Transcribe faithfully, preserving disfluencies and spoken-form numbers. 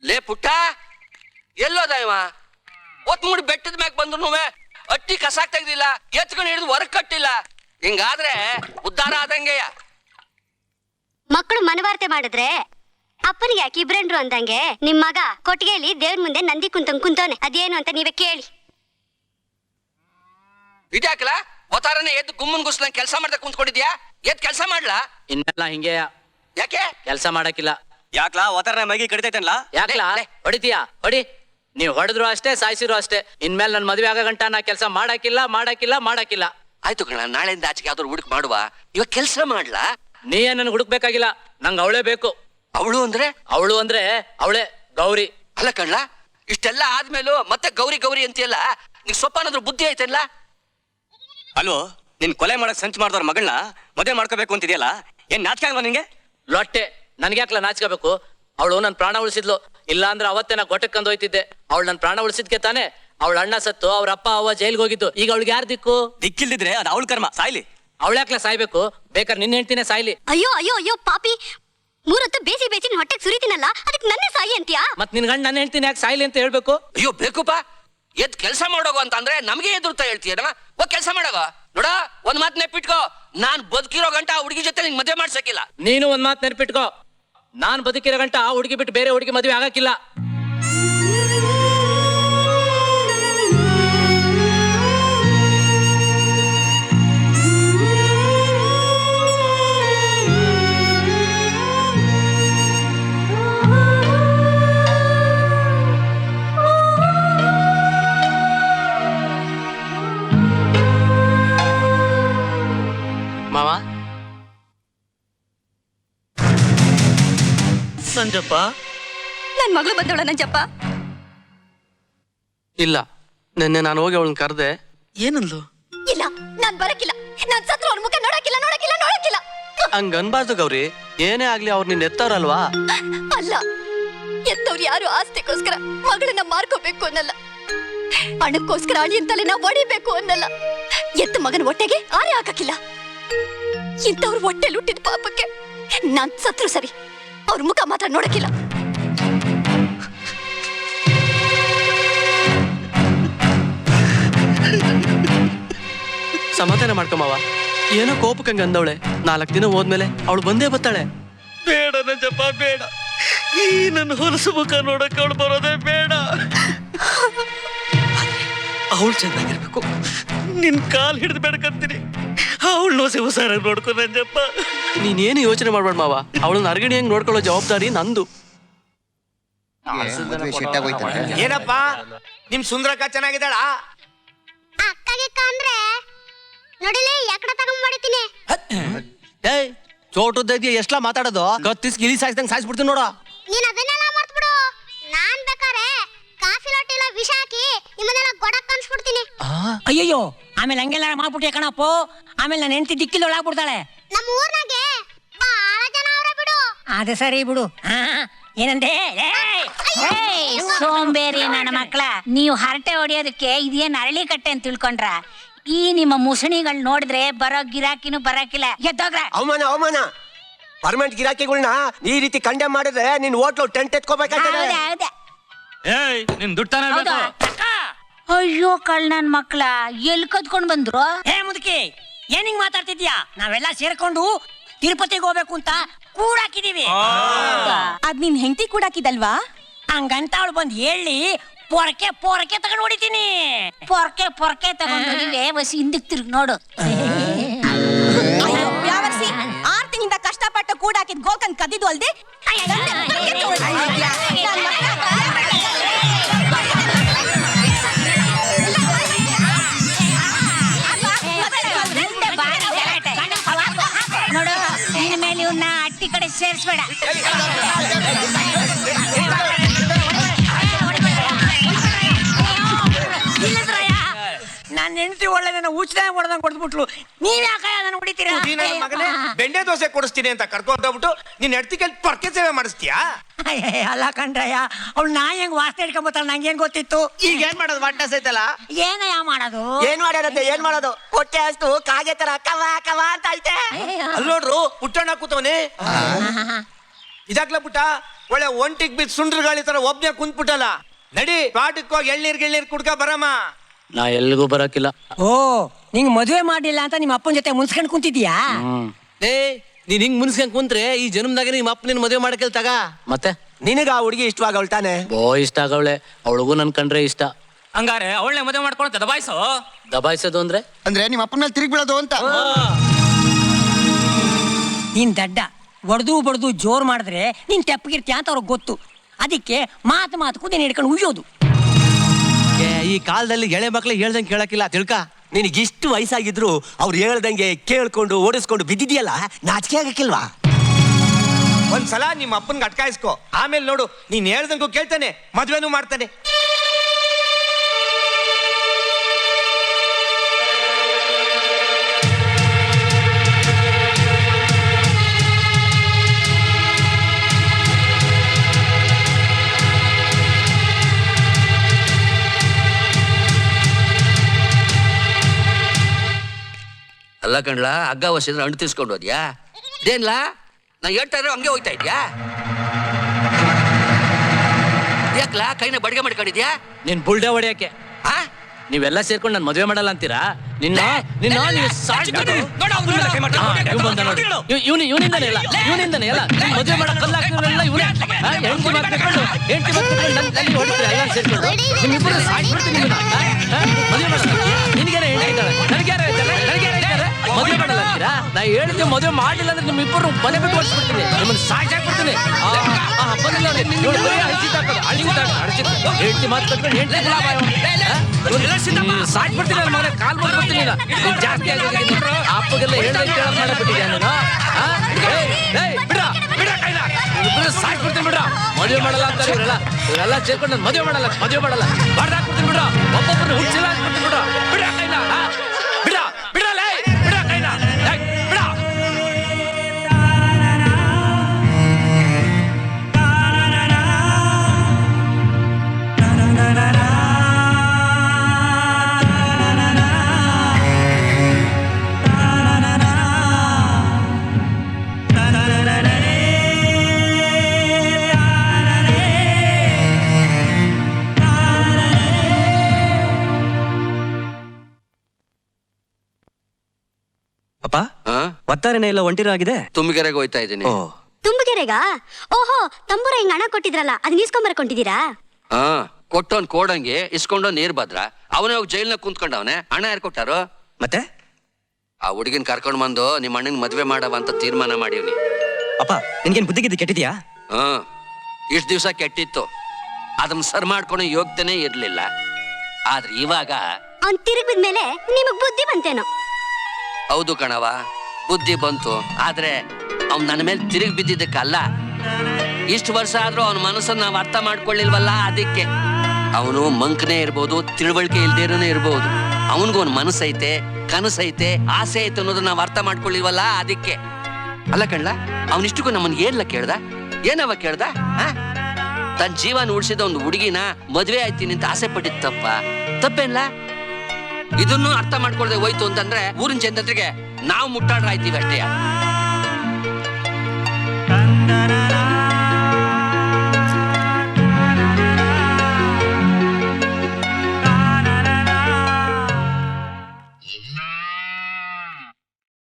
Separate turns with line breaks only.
ಲೇ ಪುಟ್ಟ ಎಲ್ಲೋದ ಇವ ಒತ್ ಮುಡಿ ಬೆಟ್ಟದ ಮ್ಯಾಗ ಬಂದ್ರು ಅಟ್ಟಿ ಕಸಾಕ್ ತೆಗ್ದಿಲ್ಲ, ಎತ್ಕೊಂಡು ಹಿಡಿದು ಹೊರಗ್ ಕಟ್ಟಿಲ್ಲ. ಹಿಂಗಾದ್ರೆ ಉದ್ಧಾರ ಆದಂಗೆಯ.
ಮಕ್ಕಳು ಮನವಾರ್ತೆ ಮಾಡಿದ್ರೆ ಅಪ್ಪನಿಗೆ ಯಾಕೆ ಇಬ್ರಂಡ್ರು ಅಂದಂಗೆ ನಿಮ್ ಮಗ ಕೊಟ್ಟಿಗೆಯಲ್ಲಿ ದೇವ್ರ ಮುಂದೆ ನಂದಿ ಕುಂತಂಗ್ ಕುಂತವನೆ. ಅದೇನು ಅಂತ ನೀವೇ ಕೇಳಿ.
ಇದ್ಯಾಕಲ್ಲ ಒತ್ತಾರನೆ ಎದ್ದು ಗುಮ್ಮನ್ ಗುಸ್ಲಂಗ್ ಕೆಲಸ ಮಾಡ್ದೆ ಕುಂತ್ಕೊಂಡಿದ್ಯಾ? ಎದ್ ಕೆಲಸ ಮಾಡ್ಲಾ?
ಇನ್ನೆಲ್ಲ ಹಿಂಗೆ
ಯಾಕೆ
ಕೆಲಸ ಮಾಡಕ್ಕಿಲ್ಲ.
ಯಾಕ್ಲಾ ಒತ್ತಾರನೆ ಮೈಗೆ ಕಡಿತೈತಲ್ಲ?
ಯಾಕ್ಲಾ ಹೊಡಿತೀಯಾ? ಹೊಡಿ. ನೀವ್ ಹೊಡೆದ್ರು ಅಷ್ಟೇ, ಸಾಯಿಸಿರು ಅಷ್ಟೇ. ಇನ್ಮೇಲೆ ನನ್ ಮದ್ವೆ ಆಗ ಗಂಟ ನಾ ಕೆಲಸ ಮಾಡಕ್ಕಿಲ್ಲ ಮಾಡಕ್ಕಿಲ್ಲ ಮಾಡಕ್ಕಿಲ್ಲ.
ಆಯ್ತು ಕಣ, ನಾಳೆಯಿಂದ ಆಚೆಗೆ ಯಾವ್ದಾರು ಹುಡುಕ್ ಮಾಡುವ. ಇವಾಗ ಕೆಲಸ ಮಾಡ್ಲಾ?
ನೀ ನನ್ ಹುಡುಕ್ಬೇಕಾಗಿಲ್ಲ, ನಂಗ್ ಅವಳೇ ಬೇಕು.
ಅವಳು ಅಂದ್ರೆ?
ಅವಳು ಅಂದ್ರೆ ಅವಳೇ ಗೌರಿ.
ಅಲ್ಲ ಕಣ್ಲ, ಇಷ್ಟೆಲ್ಲ ಆದ್ಮೇಲೂ ಮತ್ತೆ ಗೌರಿ ಗೌರಿ ಅಂತೀಯಲ್ಲ, ನೀಗ್ ಸ್ವಲ್ಪ ಏನಾದ್ರು ಬುದ್ಧಿ ಐತಲ್ಲ?
ಅಲ್ವೋ, ನಿನ್ ಕೊಲೆ ಮಾಡಕ್ ಸಂಚು ಮಾಡಿದವ್ರ ಮಗಳನ್ನ ಮದುವೆ ಮಾಡ್ಕೋಬೇಕು ಅಂತಿದ್ಯಲ್ಲ, ಏನ್ ನಾಚಿಕೆ ಅಲ್ವಾ ನಿಂಗೆ?
ಲೊಟ್ಟೆ, ನನ್ಗ್ಯಾಕ್ಲ ನಾಚ್ಕೋಬೇಕು? ಅವಳು ನನ್ ಪ್ರಾಣ ಉಳಿಸಿದ್ಲು. ಇಲ್ಲ ಅಂದ್ರೆ ಅವತ್ತೇ ನಾ ಗೊಟ್ಟಕ್ಕಂದು ಹೋಯ್ತಿದ್ದೆ. ಅವಳು ನನ್ ಪ್ರಾಣ ಉಳಿಸಿದ್ಕೆ ತಾನೆ ಅವಳ ಅಣ್ಣ ಸತ್ತು ಅವ್ರ ಅಪ್ಪ ಅವ್ವ ಜೈಲ್ಗೆ ಹೋಗಿದ್ದು. ಈಗ ಅವಳಿಗೆ ಯಾರು ದಿಕ್ಕು?
ದಿಕ್ಕಿಲ್ದಿದ್ರೆ ಅದು ಅವಳ ಕರ್ಮ, ಸಾಯ್ಲಿ.
ಅವಳ್ಯಾಕ್ಲ ಸಾಯ್ಬೇಕು? ಬೇಕಾದ್ರೆ ನಿನ್ನ ಹೆಂಡ್ತಿನೇ ಸಾಯ್ಲಿ.
ಅಯ್ಯೋ ಅಯ್ಯೋ ಅಯ್ಯೋ ಪಾಪಿ, ಮೂರೊತ್ತು ಬೇಸಿ ಬೇಸಿ ಹೊಟ್ಟೆಗೆ ಸುರಿತೀನಲ್ಲ, ಅದಕ್ಕೆ ನನ್ನೇ ಸಾಯಿ ಅಂತೀಯಾ?
ಮತ್ ನಿನ್ ಗಂಡ ನನ್ನ ಹೆಂಡ್ತಿನ ಯಾಕೆ ಸಾಯ್ಲಿ ಅಂತ ಹೇಳ್ಬೇಕು?
ಅಯ್ಯೋ ಬೇಕುಪ್ಪ, ಎದ್ ಕೆಲಸ ಮಾಡೋಗು ಅಂತ ಅಂದ್ರೆ ನಮ್ಗೆ ಎದುರ್ತಾ ಹೇಳ್ತೀಯನ? ಹೋಗ್ ಕೆಲಸ ಮಾಡೋಗ. ನೋಡ, ಒಂದ್ ಮಾತ್ ನೆಪಿಟ್ಕೋ, ನಾನ್ ಬದುಕಿರೋ ಗಂಟ ಆ ಹುಡುಗಿ ಜೊತೆ ನಿಂಗೆ ಮದುವೆ ಮಾಡ್ಸಕ್ಕಿಲ್ಲ.
ನೀನು ಒಂದ್ ಮಾತು ನೆನ್ಪಿಟ್ಕೋ, ನಾನ್ ಬದುಕಿರೋ ಗಂಟ ಆ ಹುಡುಗಿ ಬಿಟ್ಟು ಬೇರೆ ಹುಡುಗಿ ಮದುವೆ ಆಗಕ್ಕಿಲ್ಲ. ಮಾವ,
ನಂಜಪ್ಪ,
ನನ್ ಮಗಳು ಬಂದವಳ ನಂಜಪ್ಪ.
ಇಲ್ಲ, ನಿನ್ನೆ ನಾನು ಹೋಗಿ ಅವಳನ್ನ ಕರೆದೆ. ಏನಂದ್ಲು?
ಇಲ್ಲ, ನಾನ್ ಬರಕಿಲ್ಲ. ನಾನ್ ಸತ್ರ ಅವ್ರ ಮುಖ ನೋಡಕ್ಕಿಲ್ಲ ನೋಡಕ್ಕಿಲ್ಲ ನೋಡಕ್ಕಿಲ್ಲ.
ಹಂಗ ಅನ್ಬಾರ್ದು ಗೌರಿ. ಏನೇ ಆಗ್ಲಿ ಅವ್ರು ನಿನ್ ಎತ್ತವ್ರಲ್ವಾ?
ಅಲ್ಲ, ಎತ್ತವ್ರು ಯಾರು ಆಸ್ತಿಗೋಸ್ಕರ ಮಗಳನ್ನ ಮಾರ್ಕೋಬೇಕು ಅನ್ನಲ್ಲ, ಹಣಕ್ಕೋಸ್ಕರ ಅಳಿ ಅಂತಲೇ ನಾ ಹೊಡಿಬೇಕು ಅನ್ನಲ್ಲ. ಎತ್ತ ಮಗನ ಹೊಟ್ಟೆಗೆ ಆರೆ ಹಾಕಕ್ಕಿಲ್ಲ. ಇಂಥವ್ರ ಹೊಟ್ಟೆ ಹುಟ್ಟಿದ ಪಾಪಕ್ಕೆ ನಾನ್ ಸತ್ರು ಸರಿ, ಅವ್ರ ಮುಖ ಮಾತ್ರ ನೋಡಕ್ಕಿಲ್ಲ.
ಸಮಾಧಾನ ಮಾಡ್ಕೊಮಾವ. ಏನೋ ಕೋಪಕ್ಕಂಗ ಅಂದವಳೆ. ನಾಲ್ಕು ದಿನ ಹೋದ್ಮೇಲೆ ಅವಳು ಬಂದೇ ಬರ್ತಾಳೆ. ಬೇಡ ನಂಜಪ್ಪ, ಬೇಡ. ಈ ನನ್ನ ಹೊಲಸು ಮುಖ ನೋಡಕ್ಕೆ ಅವಳು ಬರೋದೇ ಬೇಡ. ಅವಳು ಚೆನ್ನಾಗಿರ್ಬೇಕು. ನಿನ್ ಕಾಲ್ ಹಿಡಿದು ಬೇಡಕಂತೀನಿ. ಅವಳು ನೋಸಿ ಹುಷಾರಾಗಿ ನೋಡ್ಕೊ ನಂಜಪ್ಪ. ನೀನೇನು ಯೋಚನೆ ಮಾಡ್ಬೇಡ ಮಾವ. ಅವಳನ್ನ ಅರ್ಗಣಿ ಹೆಂಗ್ ನೋಡ್ಕೊಳ್ಳೋ ಜವಾಬ್ದಾರಿ ನಂದು.
ಏನಪ್ಪ ನಿಮ್ ಸುಂದ್ರಕ್ಕ ಚೆನ್ನಾಗಿದ್ದಾಳ?
ಅಕ್ಕಗೆ ನೋಡಿಲಿ ಯಾಕಡೆ ತಗೊಂಡ್ ಮಾಡಿತೀನಿ.
ಏಯ್, ಚೋಟದ್ದ ಎಷ್ಟ್ಲಾ ಮಾತಾಡೋದು? ಕತ್ತಿಸ್ ಗಿಲಿ ಸಾಯಿಸ್ದಂಗ್ ಸಾಯಿಸ್ಬಿಡ್ತೀನಿ ನೋಡ.
ನೀನ್ ಅದನ್ನೆಲ್ಲ ಮಾಡ್ಬಿಡು. ನಾನ್ ಬೇಕಾರೆ ಕಾಫಿ ಲೋಟಿಲ ವಿಷ ಹಾಕಿ ನಿಮ್ಮನ್ನೆಲ್ಲ ಗೊಡಕ್ ಕನ್ಸ್ಬಿಡ್ತೀನಿ.
ಅಯ್ಯಯ್ಯೋ, ಆಮೇಲೆ ಹಂಗೆಲ್ಲ ಮಾಡ್ಬಿಟ್ಟೆ ಕಣಪ್ಪ. ಆಮೇಲೆ ನನ್ನ ಹೆಂಡತಿ ದಿಕ್ಕಿಲ್ ಆಗ್ಬಿಡ್ತಾಳೆ.
ನಮ್ಮ ಊರ್ನಾಗೆ ಬಹಳ ಜನ ಅವ್ರೆ ಬಿಡು.
ಅದೇ ಸರಿ ಬಿಡು. ಏನಂದೆ?
ಸೋಂಬೇರಿ ನನ್ನ ಮಕ್ಕಳ, ನೀವು ಹರಟೆ ಹೊಡಿಯೋದಕ್ಕೆ ಇದೇನ್ ಅರಳಿ ಕಟ್ಟೆ ಅಂತ ತಿಳ್ಕೊಂಡ್ರ? ಈ ನಿಮ್ಮ ಮುಸಣಿಗಳು ನೋಡಿದ್ರೆ ಬರೋ ಗಿರಾಕಿನೂ ಬರಕಿಲ್ಲ. ಎದ್ದೋಗ್ರ.
ಅವಮಾನ ಅವಮಾನ. ಪರ್ಮನೆಂಟ್ ಗಿರಾಕಿಗಳನ್ನ ಈ ರೀತಿ ಕಂಡೆಮ್ ಮಾಡಿದ್ರೆ ನಿನ್ ಹೋಟ್ಲು ಟೆಂಟ್ ಎತ್ಕೋಬೇಕಾಗ್ತದೆ.
ಏಯ್, ನಿನ್ ದುಡ್ತಾನೆ ಬೇಕು.
ಅಯ್ಯೋ ಕಳ್ ನನ್ ಮಕ್ಳ, ಎಲ್ ಕದ್ಕೊಂಡ್ ಬಂದ್ರು?
ಏ ಮುದುಕಿ, ಏನ್ ಹಿಂಗ್ ಮಾತಾಡ್ತಿದ್ಯಾ? ನಾವೆಲ್ಲ ಸೇರ್ಕೊಂಡು ತಿರುಪತಿಗೆ ಹೋಗ್ಬೇಕು ಅಂತ ಕೂಡಾಕಿದೀವಿ.
ಅದ್ ನಿನ್ ಹೆಂಡತಿ ಕೂಡಾಕಿದಲ್ವಾ?
ಹಂಗಂತ ಅವಳು ಬಂದ್ ಹೇಳಿ ಪೊರಕೆ ಪೊರಕೆ ತಗೊಂಡ್ ಹೊಡಿತೀನಿ.
ಪೊರ್ಕೆ ಪೊರ್ಕೆ ತಗೊಂಡ್ ಹೊಡಿವೆ. ಬಸ್ ಹಿಂದಕ್ ತಿರ್ಗ್ ನೋಡು.
ಯಾವರ್ಸಿ ಆರ್ ತಿಂಗಳಿಂದ ಕಷ್ಟಪಟ್ಟು ಕೂಡಾಕಿದ್ ಗೋಕನ್ ಕದಿದ್ದು ಅಲ್ದೆ
ನೋಡು, ಇನ್ ಮೇಲೆ ಇವ್ನ ಅಟ್ಟಿ ಕಡೆ ಸೇರ್ಸ್ಬೇಡ.
ನನ್ನ ಹೆಂಡತಿ ಒಳ್ಳೆ ಉಚಿತ ಹೊಡೆದಂಗ್ ಹೊಡೆದ್ಬಿಟ್ಲು. ನೀವ್ ಯಾಕ ನನ್ನ ಹೊಡಿತೀರಾ?
ಮಗನೇ, ಬೆಂಡೆ ದೋಸೆ ಕೊಡಿಸ್ತೀನಿ ಅಂತ ಕರ್ಕೊಂಡ್ ಹೋಗ್ಬಿಟ್ಟು ನೀನ್ ಹೆಡ್ತಿಕಲ್ ಪರ್ಕೆ ಸೇವೆ ಮಾಡಿಸ್ತೀಯಾ?
ಅಲ್ಲ ಕಣ್ರಯ್ಯ, ಅವ್ಳು ನಾ ಹೆಂಗ್ ವಾಸನೆ ಹಿಡ್ಕೊಂಬತ್ತಾಳ ನಂಗೇನ್ ಗೊತ್ತಿತ್ತು?
ಈಗ ಏನ್ ಮಾಡೋದು? ವಾಟ್ನ ಸೈತಲ್ಲ.
ಏನಯ್ಯ ಮಾಡೋದು?
ಏನ್ ಮಾಡ್ಯಾರತ್ತೆ? ಏನ್ ಮಾಡೋದು? ಹೊಟ್ಟೆ ಅಷ್ಟು ಕಾಗೆ ತರ ಕವ ಕವ ಅಂತ ಐತೆ. ಅಲ್ಲಿ ನೋಡ್ರು, ಪುಟ್ಟಣ್ಣ ಕೂತವನೆ. ಇದಾಗ್ಲ ಪುಟ್ಟ, ಒಳ್ಳೆ ಒಂಟಿಗ್ ಬಿದ್ದು ಸುಂಡ್ರ ಗಾಳಿ ತರ ಒಬ್ನೇ ಕುಂತ್ಬಿಟ್ಟಲ್ಲ. ನಡಿ ಪಾಟಕ್ಕೆ ಹೋಗಿ ಎಳ್ನೀರ್ ಗಿಳ್ನೀರ್ ಕುಡ್ಕ ಬರಮ್ಮ.
ನಾ ಎಲ್ಲಿಗೂ ಬರಕಿಲ್ಲ.
ಓ ನಿಂಗ್ ಮದುವೆ ಮಾಡಿಲ್ಲ ಅಂತ ನಿಮ್ಮ ಅಪ್ಪನ ಜೊತೆ ಮುನ್ಸ್ಕೊಂಡ್ ಕುಂತಿದ್ಯಾ?
ಏ ನೀನ್ ಹಿಂಗ್ ಮುನ್ಸ್ಕೊಂಡ್ ಕುಂತ್ರೆ ಈ ಜನ್ಮದಾಗ ನಿಮ್ಮ ಅಪ್ಪ ನಿನ್ ಮದುವೆ ಮಾಡಕಲ್ ತಗ.
ಮತ್ತೆ
ನಿನಗ ಆ ಹುಡುಗಿ ಇಷ್ಟವಾಗವಳ್ ತಾನೆ?
ಬೋ ಇಷ್ಟ ಆಗವಳೆ, ಅವಳಿಗೂ ನನ್ ಕಂಡ್ರೆ ಇಷ್ಟ.
ಹಂಗಾರೆ ಅವಳನ್ನೇ ಮದುವೆ ಮಾಡ್ಕೊಂಡು ದಬಾಯಿಸೋ.
ದಬಾಯಿಸೋದು ಅಂದ್ರೆ
ಅಂದ್ರೆ ನಿಮ್ಮ ಅಪ್ಪನ ಮೇಲೆ ತಿರುಗಿ ಬೀಳೋದು ಅಂತ.
ನೀನ್ ದಡ್ಡ ಒಡ್ದು ಬಡ್ದು ಜೋರ್ ಮಾಡಿದ್ರೆ ನೀನ್ ತೆಪ್ಪಗಿರ್ತೀಯ ಅಂತ ಅವ್ರಿಗೆ ಗೊತ್ತು. ಅದಕ್ಕೆ ಮಾತು ಮಾತು ಕುದಿನ ಹಿಡ್ಕೊಂಡು ಉಯ್ಯೋದು.
ಈ ಕಾಲದಲ್ಲಿ ಎಳೆ ಮಕ್ಳಿಗೆ ಹೇಳ್ದಂಗೆ ಕೇಳಕ್ಕಿಲ್ಲ ತಿಳ್ಕ.
ನಿನಗಿಷ್ಟು ವಯಸ್ಸಾಗಿದ್ರು ಅವ್ರು ಹೇಳ್ದಂಗೆ ಕೇಳ್ಕೊಂಡು ಓಡಿಸ್ಕೊಂಡು ಬಿದ್ದಿದ್ಯಲ್ಲ, ನಾಚಿಕೆ ಆಗಕ್ಕಿಲ್ವಾ? ಒಂದ್ಸಲ ನಿಮ್ಮ ಅಪ್ಪನ್ಗೆ ಅಟ್ಕಾಯಿಸ್ಕೊ, ಆಮೇಲೆ ನೋಡು ನೀನ್ ಹೇಳ್ದಂಗೂ ಕೇಳ್ತಾನೆ, ಮದ್ವೆನೂ ಮಾಡ್ತಾನೆ.
ಅಲ್ಲ ಕಣ್ಲ, ಹಗ್ಗ ವಸಿದ್ರೆ ಹಣ್ಣು ತಿರ್ಸ್ಕೊಂಡು ಹೋದ್ಯಾ? ಇದೇನ್ಲಾ ನಾ ಹೇಳ್ತಾ ಇರೋ ಹಂಗೆ ಹೋಗ್ತಾ ಇದ್ಯಾ? ಯಾಕ್ಲಾ ಕೈನ ಬಡಿಗೆ ಮಾಡ್ಕೊಂಡಿದ್ಯಾ?
ನಿನ್ ಬುಲ್ಡೆ ಹೊಡಿಯಕ್ಕೆ
ಆ
ನೀವೆಲ್ಲ ಸೇರ್ಕೊಂಡು ನನ್ ಮದುವೆ ಮಾಡಲ್ಲ ಅಂತೀರಾ? ನಿನ್ನ ನಿನ್ನ ನೀವು ಸಾಕ್ಷಿ ಇವನು ಇವನಿಂದನೇ ಎಲ್ಲ ಇವನಿಂದನೇ ಎಲ್ಲ ಮದುವೆ ಮಾಡಕ್ ಕಲ್ಲಾಕ್ತಿರಲ್ಲ ಇವನೇ. ಹೆಂಡತಿ ಮಾಡ್ಕೊಂಡು ಹೆಂಡತಿ ಮಾಡ್ಕೊಂಡು ನನ್ ತಲೆ ಹೊಡಿತೀರ ಎಲ್ಲ ಸೇರ್ಕೊಂಡು. ನಿಮ್ಮಿಬ್ಬರು ಸಾಕ್ಬಿಡ್ತೀನಿ ನಿಮ್ಮನ್ನ. ಮದುವೆ ಮಾಡಲ್ಲ ನಿನಗೇನೆ ಹೆಂಡತಿ ಇದ್ದಾಳೆ, ನನಗ್ಯಾರ ಇದ್ದಾಳೆ, ನನಗ್ಯಾರ ಇದ್ದಾರೆ, ಮದುವೆ ಮಾಡಲ್ಲ ಅಂತೀರಾ? ನಾ ಹೇಳ್ತೀವಿ ಮದುವೆ ಮಾಡಲಿಲ್ಲ ಅಂದ್ರೆ ನಿಮ್ಮಿಬ್ಬರು ಮನೆ ಬಿಟ್ಟು ಹೊಡ್ಸ್ಬಿಡ್ತೀನಿ, ನಿಮ್ಮನ್ನ ಸಾಕ್ಷಿ ಹಾಕ್ಬಿಡ್ತೀನಿ. ಬಂದಿಲ್ಲ ಹೆಂಡತಿ ಮಾತು ಕಟ್ಕೊಂಡು ಹೆಂಡತಿ ಸಾಕ್ಬಿಡ್ತೀನಿ ನನ್ನ ಮನೆ ಕಾಲ್ ಮಾಡ್ಬಿಡ್ತೀನಿ. ಜಾಸ್ತಿ ಆಗೋಗಿದೆ ಅಪ್ಪಗೆಲ್ಲ ಹೇಳ್ದಂಗೆ ಕೇಳೋದು ಮಾಡಬಿಟ್ಟಿದ್ಯಾ ನೀನು? ಸಾಕ್ಬಿಡ್ತೀನಿ ಬಿಡ್ರ. ಮದುವೆ ಮಾಡಲ್ಲ ಅಂತ ಇವರೆಲ್ಲ ಇವರೆಲ್ಲ ಸೇರ್ಕೊಂಡು ನಾನು ಮದುವೆ ಮಾಡಲ್ಲ ಮದುವೆ ಮಾಡಲ್ಲ ಬಾರ್ದು ಹಾಕ್ಬಿಡ್ತೀನಿ ಬಿಡ್ರ. ಒಬ್ಬೊಬ್ಬರು ಹುಚ್ಚಿಲ್ಲ ಹಾಕ್ಬಿಡ್ತೀನಿ ಬಿಡ್ರ. ಬಿಡ ಕೈನ ಬಿಡ ಬಿಡಲ್ಲ ಬಿಡ ಕೈನ ಬಿಡ.
ಅಪ್ಪ
ಆ?
ಒತ್ತಾರೆನೇ ಎಲ್ಲ ಒಂಟಿರಾಗಿದೆ.
ತುಂಬಿಗೆರೆಗೆ ಹೋಯ್ತಾ ಇದ್ದೀನಿ.
ತುಂಬಗೆರೆಗ? ಓಹೋ, ತಂಬೂರ ಹಿಂಗ್ ಹಣ ಕೊಟ್ಟಿದ್ರಲ್ಲ, ಅದನ್ನ ಇಸ್ಕೊಂಬರ್ಕೊಂಡಿದ್ದೀರಾ?
ಹಾ, ಕೊಟ್ಟವನ್ ಕೋಡಂಗೆ ಇಸ್ಕೊಂಡು ನೀರ್ ಭದ್ರ. ಅವನೇ ಹೋಗಿ ಜೈಲ್ನಾಗ ಕುಂತ್ಕೊಂಡವನೆ. ಹಣ ಯಾರು ಕೊಟ್ಟಾರು?
ಮತ್ತೆ
ಆ ಹುಡುಗಿನ ಕರ್ಕೊಂಡ್ ಬಂದು ನಿಮ್ಮ ಅಣ್ಣನ್ ಮದ್ವೆ ಮಾಡವ ಅಂತ ತೀರ್ಮಾನ ಮಾಡೀವ್ನಿ.
ಅಪ್ಪ ನಿನ್ಗೇನ್ ಬುದ್ಧಿಗಿದ್ದು ಕೆಟ್ಟಿದ್ಯಾ?
ಹ್ಮ್ ಇಷ್ಟ ದಿವ್ಸ ಕೆಟ್ಟಿತ್ತು, ಅದನ್ನ ಸರ್ ಮಾಡ್ಕೊಳೋ ಯೋಗ್ಯತೆನೇ ಇರ್ಲಿಲ್ಲ. ಆದ್ರೆ ಇವಾಗ
ಅವ್ನ್ ತಿರುಗ್ ಬಿದ್ಮೇಲೆ ನಿಮಗ್ ಬುದ್ಧಿ ಬಂತೇನೋ?
ಹೌದು ಕಣವ, ಬುದ್ಧಿ ಬಂತು. ಆದ್ರೆ ಅವ್ನ್ ನನ್ನ ಮೇಲೆ ತಿರುಗಿ ಬಿದ್ದಿದ್ದಕ್ಕಲ್ಲ. ಇಷ್ಟು ವರ್ಷ ಆದ್ರೂ ಅವನ ಮನಸ್ಸನ್ನ ನಾವು ಅರ್ಥ ಮಾಡ್ಕೊಳ್ಳಿಲ್ವಲ್ಲ, ಅದಕ್ಕೆ. ಅವನು ಮಂಕನೇ ಇರ್ಬೋದು, ತಿಳುವಳಿಕೆ ಇಲ್ದೇನೇ ಇರ್ಬೋದು. ಅವನಿಗೂ ಒಂದು ಮನಸ್ಸೈತೆ, ಕನಸೈತೆ, ಆಸೆ ಐತೆ ಅನ್ನೋದನ್ನ ನಾವು ಅರ್ಥ ಮಾಡ್ಕೊಳ್ಳಿಲ್ವಲ್ಲ, ಅದಕ್ಕೆ. ಅಲ್ಲ ಕಣ್ಲ, ಅವನಿಷ್ಟಕ್ಕೂ ನಮ್ಮನ್ ಏನ್ಲ ಕೇಳ್ದ? ಏನವ ಕೇಳ್ದ? ತನ್ನ ಜೀವನ ಉಳಿಸಿದ ಒಂದು ಹುಡುಗಿನ ಮದ್ವೆ ಆಯ್ತೀನಿ ಅಂತ ಆಸೆ ಪಟ್ಟಿದ್ ತಪ್ಪ? ತಪ್ಪೇನ್ಲ? ಇದನ್ನು ಅರ್ಥ ಮಾಡ್ಕೊಳ್ದೆ ಹೋಯ್ತು ಅಂತಂದ್ರೆ ಊರಿನ ಜನತೆಗೆ ನಾವು ಮುಟ್ಟಾಡ್ರಾಯ್ತೀವಿ ಅಷ್ಟೇ.